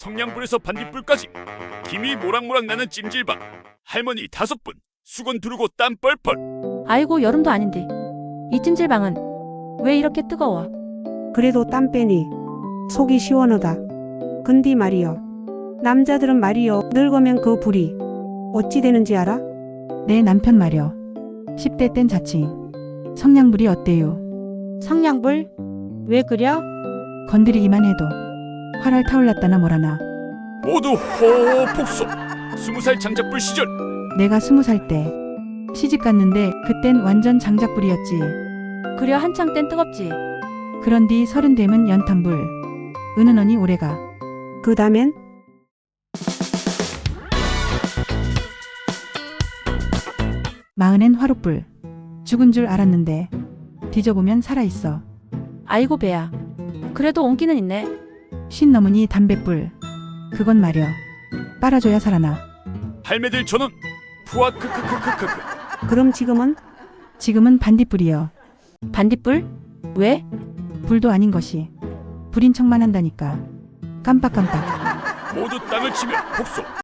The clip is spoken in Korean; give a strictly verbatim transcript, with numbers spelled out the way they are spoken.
성냥불에서 반딧불까지 김이 모락모락 나는 찜질방. 할머니 다섯 분 수건 두르고 땀 뻘뻘. 아이고 여름도 아닌데 이 찜질방은 왜 이렇게 뜨거워? 그래도 땀 빼니 속이 시원하다. 근디 말이여, 남자들은 말이여 늙으면 그 불이 어찌 되는지 알아? 내 남편 말여. 십 대 땐 자칭 성냥불이 어때요? 성냥불? 왜 그려? 건드리기만 해도 활활 타올랐다나 뭐라나. 모두 호호 폭소. 스무 살 장작불 시절. 내가 스무 살 때 시집 갔는데 그땐 완전 장작불이었지. 그려 한창 땐 뜨겁지. 그런 뒤 서른 되면 연탄불. 은은하니 오래가. 그 다음엔 마흔엔 화롯불. 죽은 줄 알았는데 뒤져보면 살아있어. 아이고 배야. 그래도 온기는 있네. 쉰 넘으니 담뱃불. 그건 말여 빨아줘야 살아나. 할매들 전원 푸아 크크크크크크. 그럼 지금은? 지금은 반딧불이여. 반딧불? 왜? 불도 아닌 것이 불인 척만 한다니까. 깜빡깜빡. 모두 땅을 치며 폭소.